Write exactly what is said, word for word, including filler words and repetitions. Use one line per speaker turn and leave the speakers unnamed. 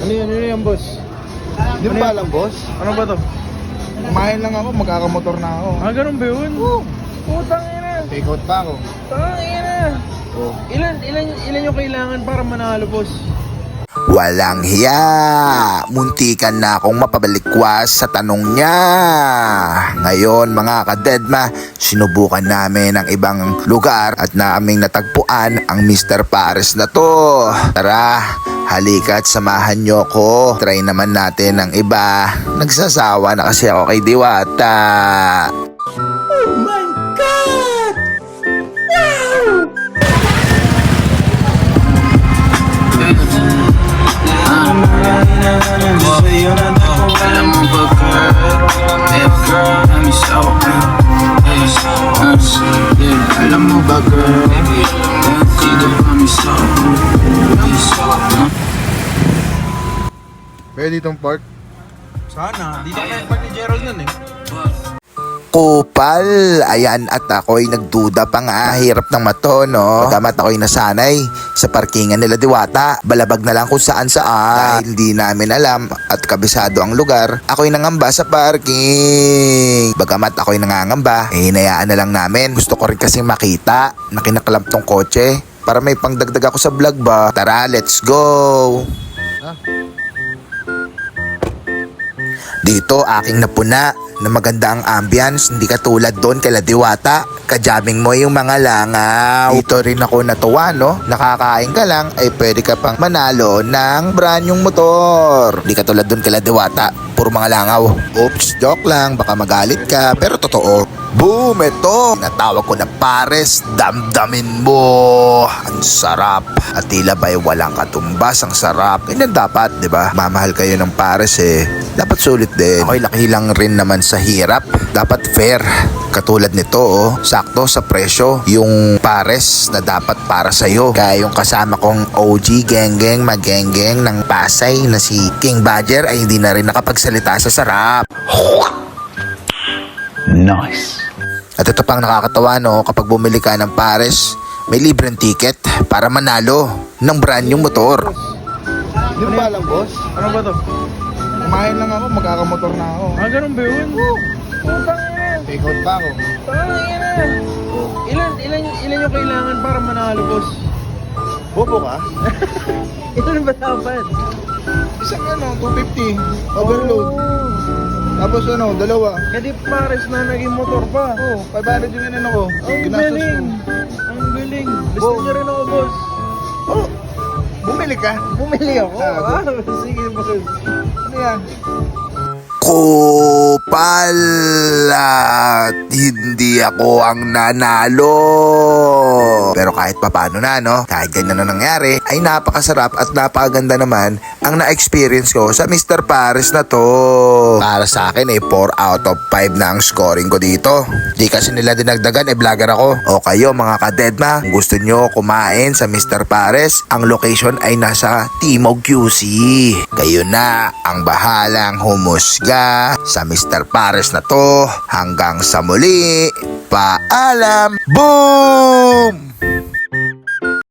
Ano yan? Ano yan, boss?
Di
Ano
ba
yan?
alam, boss?
Ano ba to?
Kumain lang ako, magkakamotor na ako.
Ah, ganun ba yun?
Oo.
Putang ina.
Take out pa ako.
Tang ina.
Oo.
Ilan, ilan, ilan yung kailangan para manalo, boss?
Walang hiya. Muntikan na akong mapabalikwas sa tanong niya. Ngayon mga kadedma, sinubukan namin ang ibang lugar at naming natagpuan ang mister Pares na to. Tara, halika't samahan nyo ko. Try naman natin ang iba. Nagsasawa na kasi ako kay Diwata.
Oh my God! Wow!
Alam mo ba girl, yeah girl, I'm so yeah, alam mo ba girl, dito kami so
Pwede itong park.
Sana, di na kaya pa ni Gerald nun eh.
Kupal, ayan at ako'y nagduda pa nga, hirap ng mato no. Pagkamat ako'y nasanay sa parkingan nila Diwata, balabag na lang kung saan saan. Dahil di namin alam at kabisado ang lugar, ako'y nangamba sa parking. Bagamat ako'y nangangamba, eh hinayaan na lang namin. Gusto ko rin kasi makita na kinaklamp tong kotse para may pangdagdag ako sa vlog ba. Tara, let's go! Dito aking napuna na maganda ang ambience, hindi katulad doon kay Diwata. Kajaming mo yung mga langaw. Dito rin ako natuwa no, nakakain ka lang ay pwede ka pang manalo ng brand yung motor. Hindi katulad doon kay Diwata, puro mga langaw. Oops, joke lang, baka magalit ka, pero totoo. Boom! Ito! Natawag ko na Pares, damdamin mo! Ang sarap! At tila ba'y walang katumbas, ang sarap. Ganyan dapat, di ba? Mamahal kayo ng Pares eh. Dapat sulit din. Ako'y laki lang rin naman sa hirap. Dapat fair. Katulad nito oh, sakto sa presyo yung Pares na dapat para sa'yo. Kaya yung kasama kong O G geng-geng mag-geng-geng ng Pasay na si King Badger ay hindi na rin nakapagsalita sa sarap.
nice.
At ito pang nakakatawa no, kapag bumili ka ng Pares, may libreng ticket para manalo ng brand yung motor.
Di ba alam, boss?
Ano ba to?
Kumain lang ako, magkakamotor na ako.
Ah, ganun ba yun? Putang ina.
Take out pa ako.
Tang ina. Ilan, ilan, ilan yung kailangan para manalo, boss?
Bobo ka?
Ilan ba dapat?
Isang ano, two fifty. Overload.
Oh.
Tapos ano, dalawa.
Kadi Pares na naging motor pa.
Oh, five hundred yung inano ko.
Ang
Ginastos
galing.
ko.
Ang galing. Gusto
Bo-
niya rin ako, boss.
Oh, bumili ka?
Bumili ako.
Ah,
Ah, sige, boss.
Ano yan?
Kupal at hindi ako ang nanalo. Pero kahit papano na no, kahit ganyan na nangyari, ay napakasarap at napakaganda naman ang na-experience ko sa mister Pares na to. Para sa akin ay four out of five na ang scoring ko dito. Di kasi nila dinagdagan, eh vlogger ako. O kayo mga kadedma, kung gusto nyo kumain sa mister Pares, ang location ay nasa Timog Q C. Kayo na ang bahalang humusga sa mister Pares na to. Hanggang sa muli, paalam! Boom!